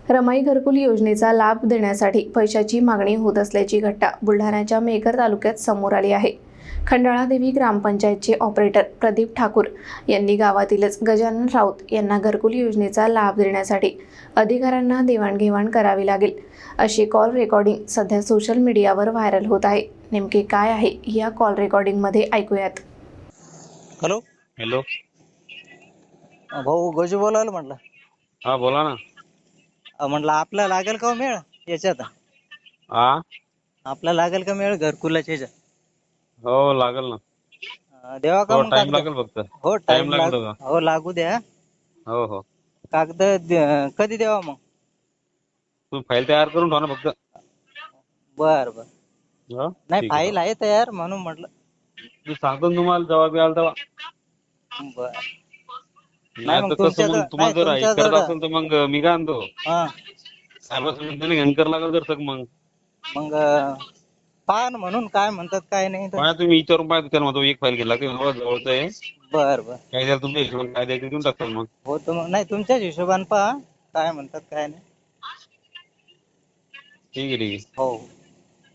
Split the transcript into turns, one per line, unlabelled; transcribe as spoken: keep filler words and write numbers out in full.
रमाई घरकुल योजनेचा लाभ देण्यासाठी पैशाची मागणी होत असल्याची घटना बुलढाण्याच्या मेकर तालुक्यात समोर आली आहे। खंडाळादेवी ग्रामपंचायतचे ऑपरेटर प्रदीप ठाकूर यांनी गावातीलच गजानन राऊत यांना घरकुल योजनेचा लाभ देण्यासाठी अधिकाऱ्यांना देवाणघेवाण करावी लागेल अशी कॉल रेकॉर्डिंग सध्या सोशल मीडियावर व्हायरल होत आहे। नेमके काय आहे या कॉल रेकॉर्डिंग मध्ये ऐकूयात।
हॅलो
हॅलो,
भाऊ गजू बोलायला म्हटलं।
हा बोला ना।
अं, म्हटलं आपला लागेल का हो मेळ याच्यात?
हा,
आपला लागेल का मेळ घरकुलाच्या याच्यात?
हो लागेल ना।
अं, देवा का
हो
मग
टाइम
कागद?
लागेल फक्त।
हो
टाइम
टाइम
लागेल
लाग
का?
हो लागू द्या।
हो हो,
कागद दे- कधी द्यावा मग?
तू फाईल तयार करून ठेव ना फक्त।
बर बर,
हो
नाही
ठीक आहे।
फाईल आहे तयार म्हणून म्हटलं।
मी सांगतो ना तुम्हाला जवाब याल तेव्हा।
बर, नाही
नाही
मग
तर कसं
तुमच्या
मग
नाही
तुम्हाला जर
तुमच्या
ऐक करत
जवळ
असेल तर मग मी काय आणतो
हा
साहेबांनी घेणकर लागेल तर सग मग
मग पहा ना म्हणून काय म्हणतात काय नाही तर।
पाहा तुम्ही विचारून पाहा त्याला म्हणतो एक फाईल घेतला की बाबा जवळचं आहे
बर बर,
काय द्याल तुमच्या हिशोबाने काय द्यायचं देऊन टाकतो मग।
हो तर मग नाही तुमच्याच हिशोबाने पहा काय म्हणतात काय नाही।
ठीक आहे ठीक आहे।
हो।